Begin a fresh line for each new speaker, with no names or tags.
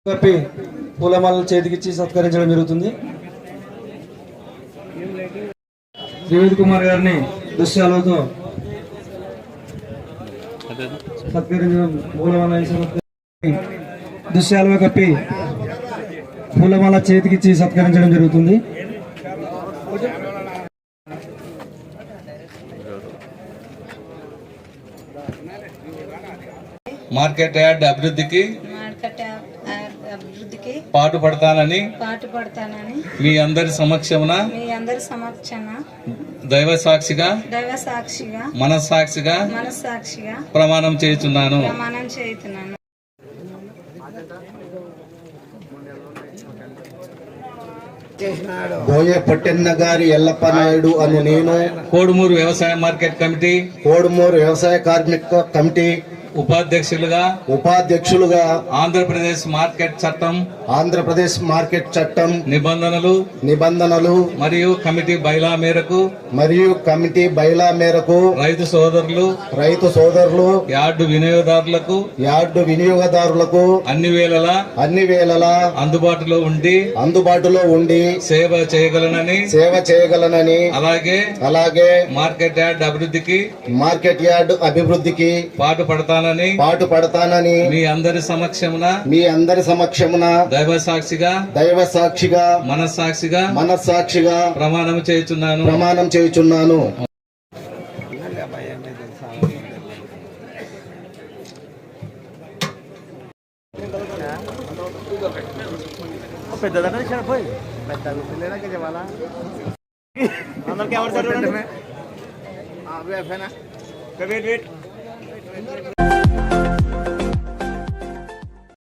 కప్పి పూలమాల చేతికిచ్చి సత్కరించడం జరుగుతుంది. త్రివేద్ కుమార్ గారిని దృశ్యాలతో సత్కరించడం, పూలమాల దృశ్యాలుగా కప్పి పూలమాల చేతికిచ్చి సత్కరించడం జరుగుతుంది.
మార్కెట్ యార్డ్ అభివృద్ధికి పాటుపడతానని మీ అందరి సమక్షమున దైవ సాక్షిగా మనస్సాక్షిగా ప్రమాణం చేయుచున్నాను.
బోయ పొట్టెన్న గారి ఎల్లప్ప నాయుడు అను నేను
కోడుమూరు వ్యవసాయ మార్కెట్ కమిటీ
కోడుమూరు వ్యవసాయ కార్మిక కమిటీ ఉపాధ్యక్షులుగా
ఆంధ్రప్రదేశ్ మార్కెట్ చట్టం నిబంధనలు మరియు కమిటీ బైలా మేరకు రైతు సోదరులు యార్డు వినియోగదారులకు అన్ని వేళలా అందుబాటులో ఉండి సేవ చేయగలనని అలాగే మార్కెట్ యార్డ్ అభివృద్ధికి పాటుపడతానని మీ అందరి సమక్షమున దైవ సాక్షిగా మనస్సాక్షిగా ప్రమాణం చేయుచున్నాను.
అందరికి